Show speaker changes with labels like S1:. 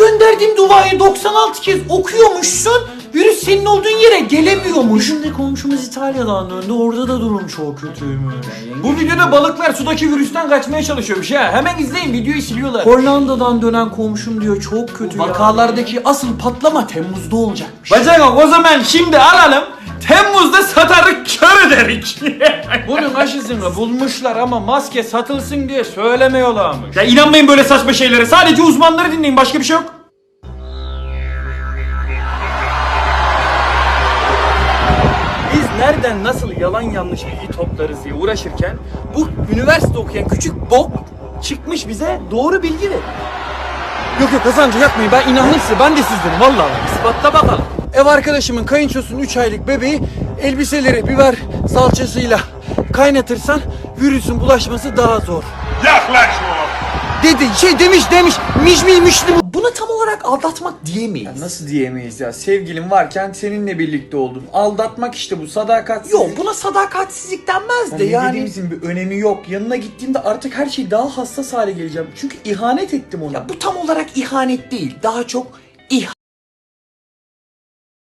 S1: gönderdiğim duayı 96 kez okuyormuşsun. Virüs senin olduğun yere gelemiyormuş. Bizim de komşumuz İtalya'dan döndü. Orada da durum çok kötüymüş.
S2: Bu videoda balıklar sudaki virüsten kaçmaya çalışıyormuş ha. Hemen izleyin, videoyu siliyorlar.
S1: Hollanda'dan dönen komşum diyor çok kötü ya. Vakalardaki asıl patlama Temmuz'da olacakmış.
S2: Bacak o zaman şimdi alalım. Temmuz'da satarık, kör ederik. Bunun aşısını bulmuşlar ama maske satılsın diye söylemiyorlarmış. Ya inanmayın böyle saçma şeylere. Sadece uzmanları dinleyin, başka bir şey yok. Biz nereden nasıl yalan yanlış bilgi toplarız diye uğraşırken bu üniversite okuyan küçük bok çıkmış bize doğru bilgi ver. Yok Hasan'cığım yapmayın, ben inandım size, ben de sizdenim vallahi. İspatla bakalım. Ev arkadaşımın kayınçosunun 3 aylık bebeği elbiseleri biber salçasıyla kaynatırsan virüsün bulaşması daha zor.
S3: Yaklaşma.
S2: Dedi demiş
S1: Buna tam olarak aldatmak diyemeyiz.
S2: Nasıl diyemeyiz ya, sevgilim varken seninle birlikte oldum. Aldatmak işte bu, sadakat.
S1: Yok buna sadakatsizlik denmez de yani.
S2: Dediğimizin bir önemi yok. Yanına gittiğimde artık her şey daha hassas hale geleceğim. Çünkü ihanet ettim ona.
S1: Ya bu tam olarak ihanet değil. Daha çok